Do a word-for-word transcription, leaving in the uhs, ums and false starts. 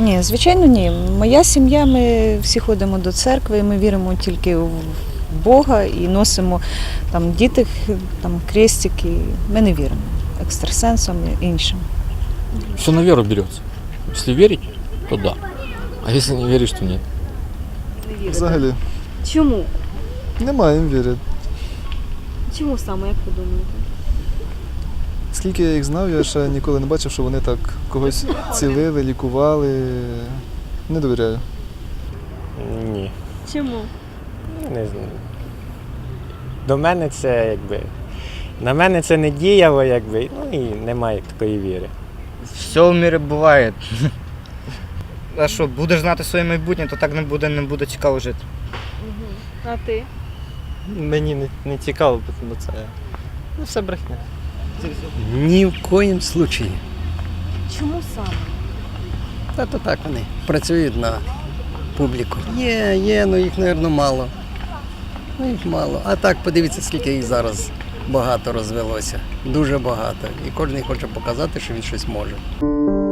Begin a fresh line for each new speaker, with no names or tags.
Ні, звичайно, ні. Моя сім'я, ми всі ходимо до церкви, ми віримо тільки в Бога і носимо там діти, там крестики. Ми не віримо екстрасенсам і іншим.
Все на веру берется. Если верить, то да. А если не веришь, то нет.
Взагалі.
Чому?
Немає їм віри.
Чому саме, як ви думаєте?
Скільки я їх знав, я ще ніколи не бачив, що вони так когось цілили, лікували. Не довіряю.
Ні,
Чому?
не знаю. До мене це якби. На мене це не діяло, якби, ну і немає такої віри.
Все в мірі буває. А що, будеш знати своє майбутнє, то так не буде, не буде цікаво жити.
Угу. А ти?
Мені не, не цікаво, бо це ну, все брехня.
Ні в коїм случаї.
Чому саме?
Та то так вони працюють на публіку. Є, є, ну їх, мабуть, мало. Ну їх мало. А так, подивіться, скільки їх зараз багато розвелося. Дуже багато. І кожен хоче показати, що він щось може.